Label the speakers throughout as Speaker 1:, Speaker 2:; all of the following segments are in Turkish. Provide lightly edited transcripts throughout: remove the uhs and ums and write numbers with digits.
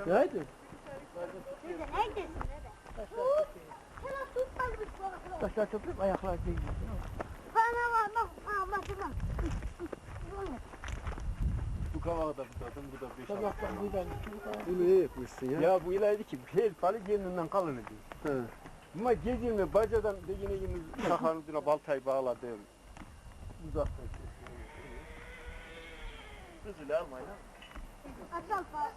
Speaker 1: Haydi.
Speaker 2: Neredesin?
Speaker 1: Taşlar toplayıp ayaklar değil.
Speaker 2: Bana var bak. Anlatacağım.
Speaker 3: Bu kavakta tutadım, bu da 5
Speaker 1: Sabahtan buradan.
Speaker 4: Bunu iyi yapmışsın ya.
Speaker 3: Ya bu ileride ki her palı kendinden kalın ediyor.
Speaker 4: He.
Speaker 3: Ama gezilme bacadan da yine sakalın üstüne baltayı bağladım. Uzaktan Kızılı almayın ha.
Speaker 2: Atal falan.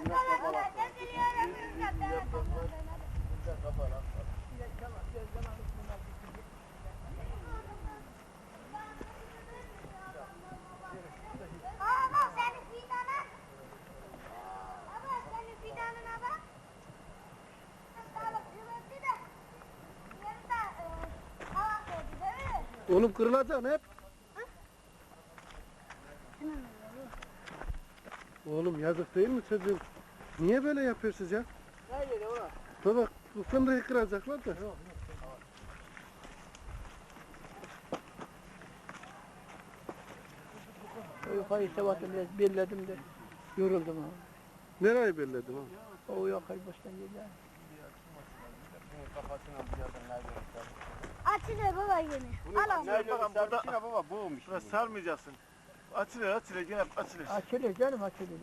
Speaker 2: Baba senin fidanın. Baba senin fidanına bak. Sağlık kırıldı da. Yarıda hava koydu değil mi?
Speaker 4: Oğlum kırılacaksın hep. Oğlum yazık değil mi çocuğum? Niye böyle yapıyorsunuz ya?
Speaker 1: Haydi ola.
Speaker 4: Baba bu fındığı kıracaklar da.
Speaker 1: Yukarı sabahtan biraz belledim de yoruldum ha.
Speaker 4: Nereyi belledin oğlum?
Speaker 1: O yukarı baştan geliyor.
Speaker 2: Açılır baba yine. Al onu.
Speaker 3: Nerede bakalım baba boğmuş.
Speaker 5: Buna sarmayacaksın. Açılır gene açılır.
Speaker 1: Açılıyor canım açılıyor.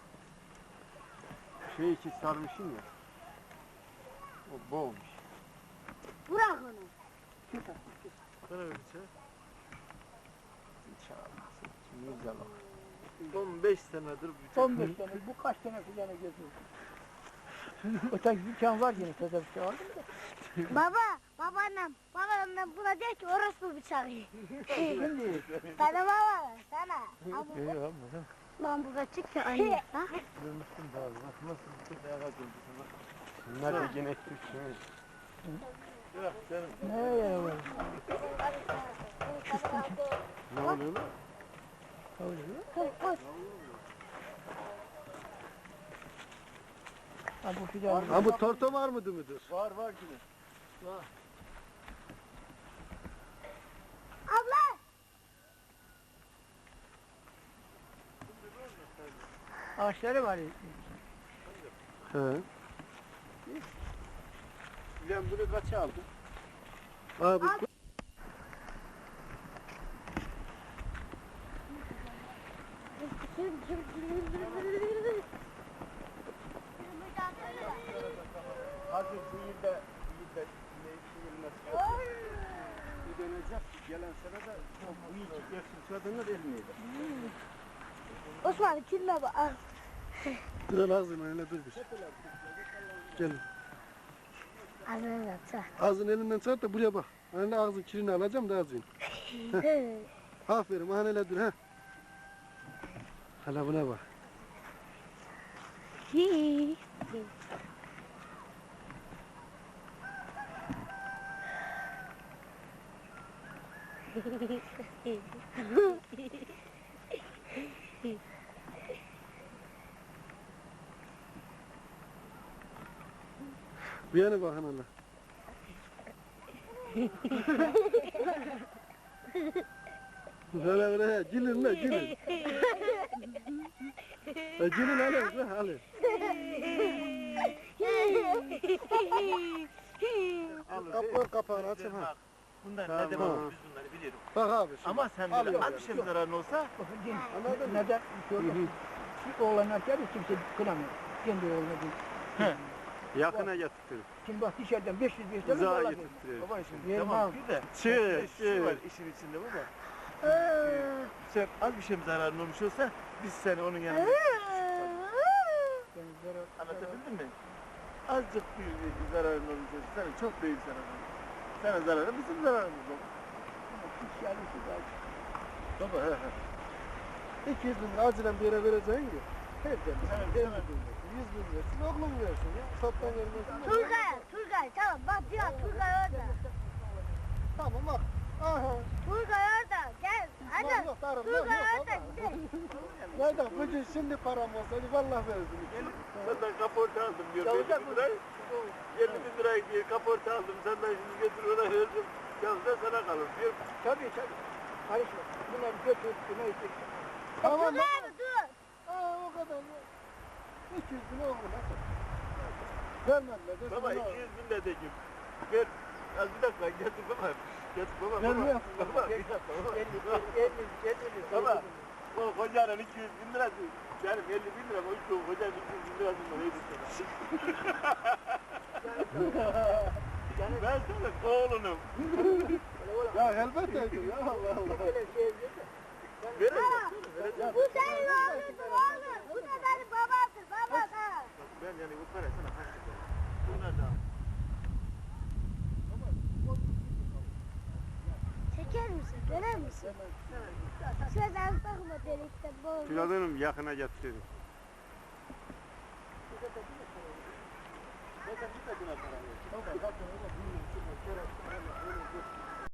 Speaker 3: Şey için sarmışsın ya. O boğmuş.
Speaker 2: Bırak onu.
Speaker 5: Bana öyle şey.
Speaker 3: İnşallah. Şimdi güzel bak.
Speaker 5: 15 senedir
Speaker 1: 15 sene bu kaç sene filanı geziyor. Öteki dükkan var yine taze bir şey aldım da.
Speaker 2: Babaannem buna der ki orospu bıçağı.
Speaker 1: Şimdi
Speaker 2: Sana baba, sana. Al bu.
Speaker 3: Yok ama.
Speaker 2: Lan burada çık ya anne. Ha?
Speaker 3: Görmüştüm daha. Nasıl bir ayağa döndü sana. Bunlar da gene Türkçe.
Speaker 5: Yok canım.
Speaker 1: ne ya var?
Speaker 3: Ne oluyor lan?
Speaker 1: Oluyor.
Speaker 2: Koş.
Speaker 1: Ha bu filan.
Speaker 4: Ha bu torto var mıdır müdür?
Speaker 3: Var yine.
Speaker 2: Abla.
Speaker 1: Ağaçları var.
Speaker 4: He.
Speaker 3: Ben bunu kaça aldım?
Speaker 4: Abi
Speaker 3: Hazır bu yılda bu dönecek gelen sene de bu iki geçsin kadınlar elmeydi.
Speaker 2: Osman kirme bak. Al.
Speaker 4: dur ağzını öyle dur bir. Gel.
Speaker 2: Ağzını yapsa.
Speaker 4: Ağzını elinden çat da buraya bak. Hani ağzın kirini alacağım da ağzını. Aferin hani öyle dur ha. Hala buna bak. Bir yana bakın hala. Hala hala gülün la gülün. Gülün hala hala. Kapı kapağını açın ha.
Speaker 5: Bunlar
Speaker 4: Tamam.
Speaker 5: ne demek biz bunları biliyoruz.
Speaker 4: Bak abi şimdi.
Speaker 5: Ama sen
Speaker 4: Al
Speaker 5: bile
Speaker 4: böyle.
Speaker 5: az bir şey zararın olsa
Speaker 1: Anladın mı? Neden? Şu oğlanlar geldi kimse kınamıyor. Kendi oğluna değil.
Speaker 3: Yakına getirdim.
Speaker 1: Şimdi bak dışarıdan 500 bir tane
Speaker 3: Uzağa
Speaker 1: dolar
Speaker 3: getirtirim.
Speaker 5: baba şimdi
Speaker 1: Yerim
Speaker 5: tamam
Speaker 1: abi.
Speaker 5: bir de şu var işin içinde baba. Sen az bir şey mi zararın olmuş olsa biz seni onun yanına anlatabildim mi? Azıcık bir zararın olmuş olsa sana çok büyük zararın olur. Sana zararı bizim zararımız olur. Baba he he.
Speaker 4: 200 bin lira acilen bir yere vereceksin ki. Hep demiş.
Speaker 5: Evet,
Speaker 4: 50
Speaker 5: evet.
Speaker 4: bin lira. 100 bin versin, oğlum versin ya. Toptan vermesin.
Speaker 2: Turgay tamam bak diyor Turgay orada.
Speaker 4: Tamam bak. Aha.
Speaker 2: Turgay orada gel. Hadi.
Speaker 4: Yok darım yok
Speaker 2: Turgay
Speaker 4: yok
Speaker 2: orada
Speaker 4: baba.
Speaker 2: gidelim.
Speaker 4: Neden? Bugün şimdi param olsaydı vallahi verirdim.
Speaker 5: Senden kaporta aldım diyor.
Speaker 1: Yavuzlar
Speaker 5: 50 bin lirayı. 50 bin lirayı diye kaporta aldım. Senden şimdi götür ona verdim. Yalnız da sana kalır diyor.
Speaker 1: Tabii. Karışma. Bunları götür. Buna istedim.
Speaker 4: Tamam
Speaker 2: Turgay abi dur.
Speaker 4: Aa o kadar. 200 bin oğlum nasıl? Vermediler de
Speaker 5: Baba
Speaker 4: sana
Speaker 5: 200 bin de dedim. Ver. Az bir dakika getir baba. Getir baba.
Speaker 4: Vermiyor.
Speaker 5: Baba bir dakika baba. Baba o kocanın 200 bin lirası. Benim 50 bin lira o işte o kocanın 200 bin lirasını neydi sana? Ben sana oğlunum.
Speaker 4: Ya elbette ya Allah Allah.
Speaker 5: Vereceğim.
Speaker 2: Bu senin oğlundur oğlum. Bu da benim babamdır baba da.
Speaker 5: Ben yani bu para sana harcayacağım. Bunlar da.
Speaker 2: Çeker misin? Döner misin? Şuradan bakma delikten boğulur.
Speaker 3: Filadınım yakına getirin.
Speaker 4: Zaten bir de buna para yok. Baba zaten öyle bir